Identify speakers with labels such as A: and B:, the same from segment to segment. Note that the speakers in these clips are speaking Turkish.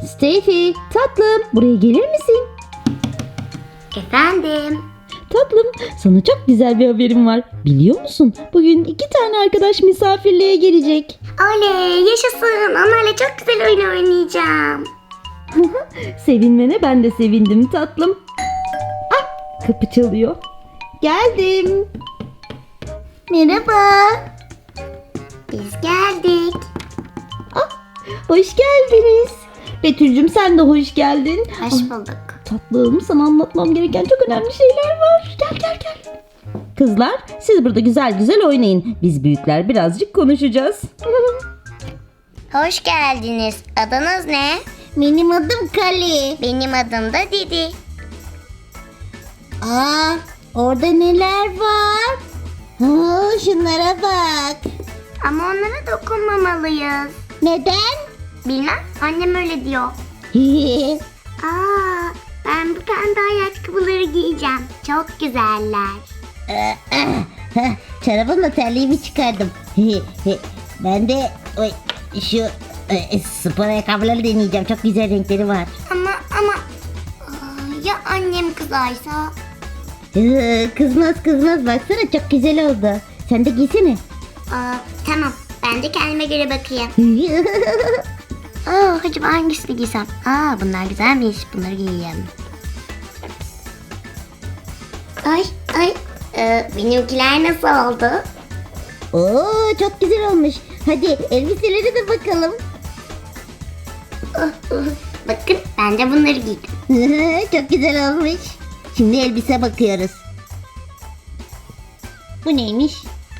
A: Steffi, tatlım, buraya gelir misin?
B: Efendim?
A: Tatlım, sana çok güzel bir haberim var. Biliyor musun? Bugün 2 tane arkadaş misafirliğe gelecek.
B: Oley, yaşasın. Onlarla çok güzel oyun oynayacağım.
A: Sevinmene ben de sevindim tatlım. Ah, kapı çalıyor. Geldim. Merhaba.
B: Biz geldik.
A: Hoş geldiniz. Betül'cüm sen de hoş geldin.
B: Hoş bulduk.
A: Tatlım, sana anlatmam gereken çok önemli şeyler var. Gel gel gel. Kızlar, siz burada güzel güzel oynayın. Biz büyükler birazcık konuşacağız.
B: Hoş geldiniz. Adınız ne?
A: Benim adım Kali.
B: Benim adım da Didi.
A: Aa, orada neler var? Ha, şunlara bak.
B: Ama onlara dokunmamalıyız.
A: Neden?
B: Bilmem, annem öyle diyor. Aa, ben bu pembe ayakkabıları giyeceğim. Çok güzeller.
A: Çorabımla terliğimi çıkardım. Ben de şu spor ayakkabıları deneyeceğim. Çok güzel renkleri var.
B: Ama ya annem kızarsa?
A: Kızmaz. Baksana çok güzel oldu. Sen de giysene.
B: Tamam, ben de kendime göre bakayım. Acaba hangisini giysem? Bunlar güzelmiş. Bunları giyeyim. Ay. Benimkiler nasıl oldu?
A: Oo, çok güzel olmuş. Hadi elbiselere de bakalım.
B: Bakın, ben de bunları giydim.
A: Çok güzel olmuş. Şimdi elbise bakıyoruz. Bu neymiş?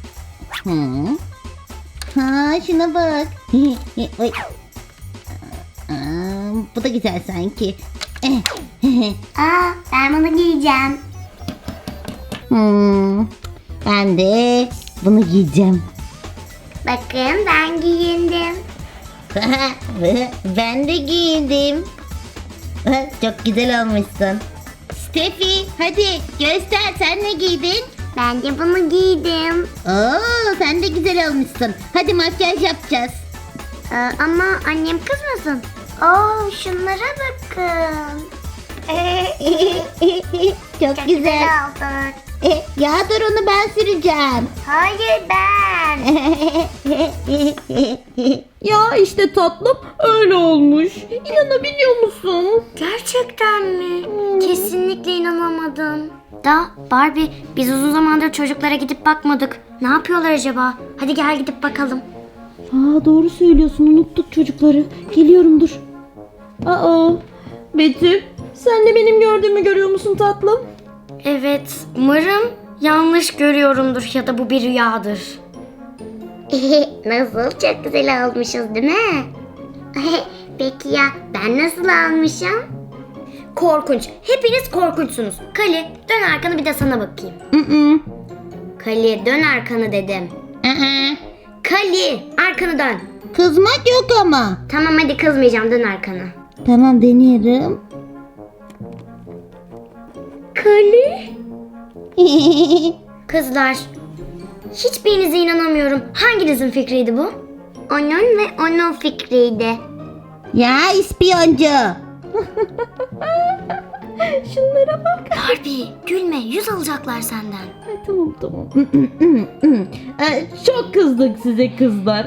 A: Ha, şuna bak. Oy. Bu da güzel sanki.
B: Ben bunu giyeceğim.
A: Ben de bunu giyeceğim.
B: Bakın, ben giyindim.
A: Ben de giyindim. Çok güzel olmuşsun. Steffi, hadi göster, sen ne giydin?
B: Ben de bunu giydim.
A: Oo, sen de güzel olmuşsun. Hadi makyaj yapacağız.
B: Ama annem kızmasın. Şunlara bakın.
A: Çok güzel.
B: olduk.
A: Ya dur, onu ben süreceğim.
B: Hayır, ben.
A: Ya işte tatlım, öyle olmuş. İnanabiliyor musun?
B: Gerçekten mi? Kesinlikle inanamadım. Barbie, biz uzun zamandır çocuklara gidip bakmadık. Ne yapıyorlar acaba? Hadi gel gidip bakalım.
A: Doğru söylüyorsun, unuttuk çocukları. Geliyorum, dur. Betül, sen de benim gördüğümü görüyor musun tatlım?
B: Evet, umarım yanlış görüyorumdur ya da bu bir rüyadır. Nasıl? Çok güzel almışız değil mi? Peki ya ben nasıl almışım? Korkunç. Hepiniz korkunçsunuz. Kali, dön arkanı, bir de sana bakayım. Kali, dön arkanı dedim. Kali, arkanı dön.
A: Kızmak yok ama.
B: Tamam, hadi kızmayacağım, dön arkanı.
A: Tamam, deniyorum.
B: Kali? Kızlar, hiçbirinize inanamıyorum. Hanginizin fikriydi bu? Onun ve onun fikriydi.
A: Ya ispiyoncu. Şunlara bak.
B: Barbie, gülme, 100 alacaklar senden.
A: Tamam. Çok kızdık size kızlar.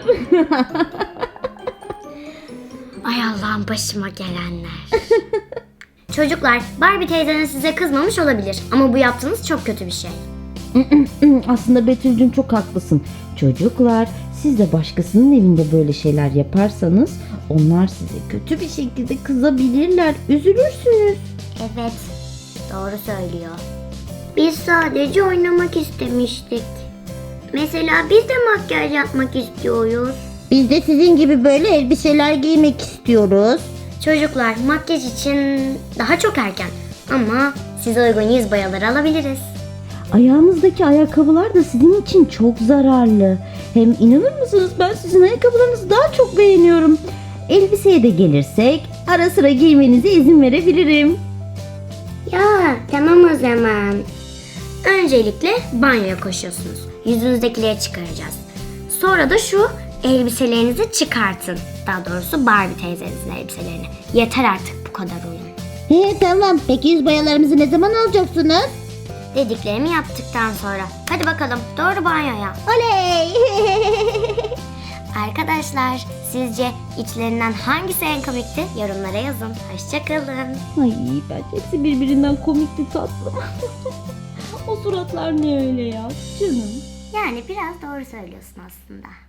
B: Ay Allah'ım, başıma gelenler. Çocuklar, Barbie teyzeniz size kızmamış olabilir. Ama bu yaptığınız çok kötü bir şey.
A: Aslında Betül'cüm çok haklısın. Çocuklar, siz de başkasının evinde böyle şeyler yaparsanız onlar size kötü bir şekilde kızabilirler. Üzülürsünüz.
B: Evet, doğru söylüyor. Biz sadece oynamak istemiştik. Mesela biz de makyaj yapmak istiyoruz.
A: Biz de sizin gibi böyle elbiseler giymek istiyoruz.
B: Çocuklar, makyaj için daha çok erken. Ama size uygun yüz boyaları alabiliriz.
A: Ayağınızdaki ayakkabılar da sizin için çok zararlı. Hem inanır mısınız, ben sizin ayakkabılarınızı daha çok beğeniyorum. Elbiseye de gelirsek ara sıra giymenize izin verebilirim.
B: Ya tamam o zaman. Öncelikle banyoya koşuyorsunuz. Yüzünüzdekileri çıkaracağız. Sonra da şu Elbiselerinizi çıkartın. Daha doğrusu Barbie teyzenizin elbiselerini. Yeter artık bu kadar oyun.
A: Tamam. Peki yüz boyalarımızı ne zaman alacaksınız?
B: Dediklerimi yaptıktan sonra. Hadi bakalım doğru banyoya.
A: Oley!
B: Arkadaşlar sizce içlerinden hangisi en komikti? Yorumlara yazın. Hoşçakalın.
A: Ay bence hepsi birbirinden komikti tatlım. O suratlar ne öyle ya canım.
B: Yani biraz doğru söylüyorsun aslında.